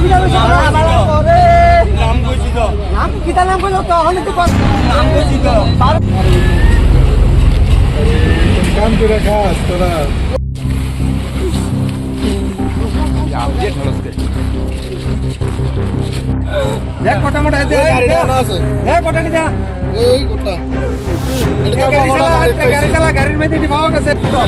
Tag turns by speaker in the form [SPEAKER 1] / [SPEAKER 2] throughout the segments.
[SPEAKER 1] গাড়ির মধ্যে পাওয়া গেছে।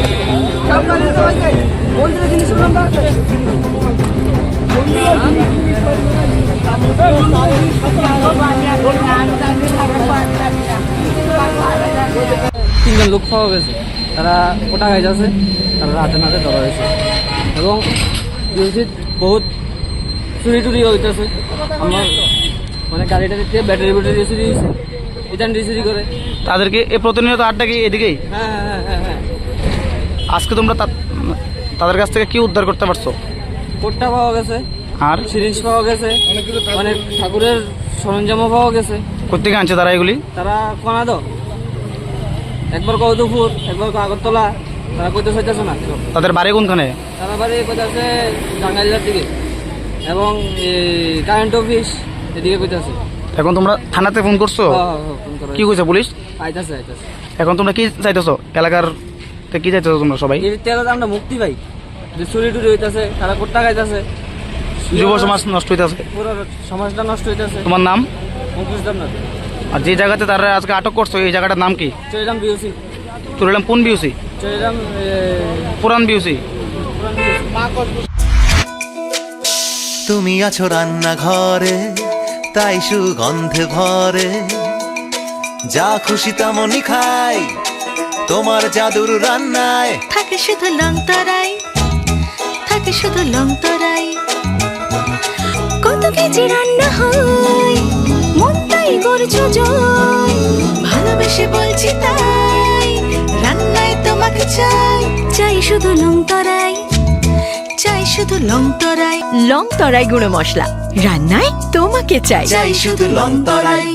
[SPEAKER 2] তিনজন লোক পাওয়া গেছে, তারা কোটা গাইজ আছে, তারা রাতে নাতে ধরা হয়েছে এবং বহুত চুরি টুরি হইতেছে। আমার মানে গাড়িটা দিতে ব্যাটারি চুরি হয়েছে, ইটান চুরি করে।
[SPEAKER 3] তাদেরকে এ প্রতিনিয়ত আড্ডা কি এদিকেই?
[SPEAKER 2] হ্যাঁ হ্যাঁ হ্যাঁ হ্যাঁ।
[SPEAKER 3] আজকে তোমরা তাদের কাছ থেকে কি উদ্ধার করতে পারছো?
[SPEAKER 2] কোটটা পাওয়া গেছে, আর সিরিঞ্জ পাওয়া গেছে, অনেক ঠাকুরের সরঞ্জামও পাওয়া গেছে।
[SPEAKER 3] কোথেকে আনছে তারা এগুলি?
[SPEAKER 2] তারা কোনাদ, একবার কৌতুপুর, একবার আগরতলা, তারা কইতে চাইতেছে না।
[SPEAKER 3] তাদের বাড়ি কোনখানে?
[SPEAKER 2] তারা বাড়ি কইতেছে টাঙ্গাইলের দিকে এবং কারেন্ট অফিস এদিকে কইতেছে।
[SPEAKER 3] এখন তোমরা থানাতে ফোন করছো? কি কইছে পুলিশ?
[SPEAKER 2] আইতাছে আইতাছে।
[SPEAKER 3] এখন তোমরা কি চাইতেছো? এলাকার কি চাইতেছো তোমরা সবাই?
[SPEAKER 2] আমরা মুক্তি পাই, যে চুরি টুরি হইতেছে, তারা কোট্টা খাইতেছে,
[SPEAKER 3] যুব সমাজ নষ্ট হইতেছে,
[SPEAKER 2] পুরো সমাজটা নষ্ট হইতেছে।
[SPEAKER 3] তোমার নাম?
[SPEAKER 2] মুকেশ দেবনাথ।
[SPEAKER 3] আর যে জায়গাতে তারা আজকে আটক করছো এই জায়গাটার নাম কি?
[SPEAKER 2] চরিরাম বিউসি।
[SPEAKER 3] চরিরাম কোন বিউসি?
[SPEAKER 2] চরিরাম
[SPEAKER 3] পুরান বিউসি।
[SPEAKER 4] তুমি আছো রান্নাঘরে, তাই সুগন্ধে ভরে, যা খুশি তেমনই খাই তোমার জাদুর রান্নায়।
[SPEAKER 5] থাকে শুধু লংতরাই, থাকে শুধু লংতরাই, কত কেজি রান্না হয়, মন তাই করছো জয়, ভালোবেসে বলছি তাই, রান্নায় তোমাকে চাই, চাই শুধু লংতরাই, চাই শুধু লংতরাই। লংতরাই গুঁড়ো মশলা, রান্নায় তোমাকে চাই,
[SPEAKER 4] চাই শুধু লংতরাই।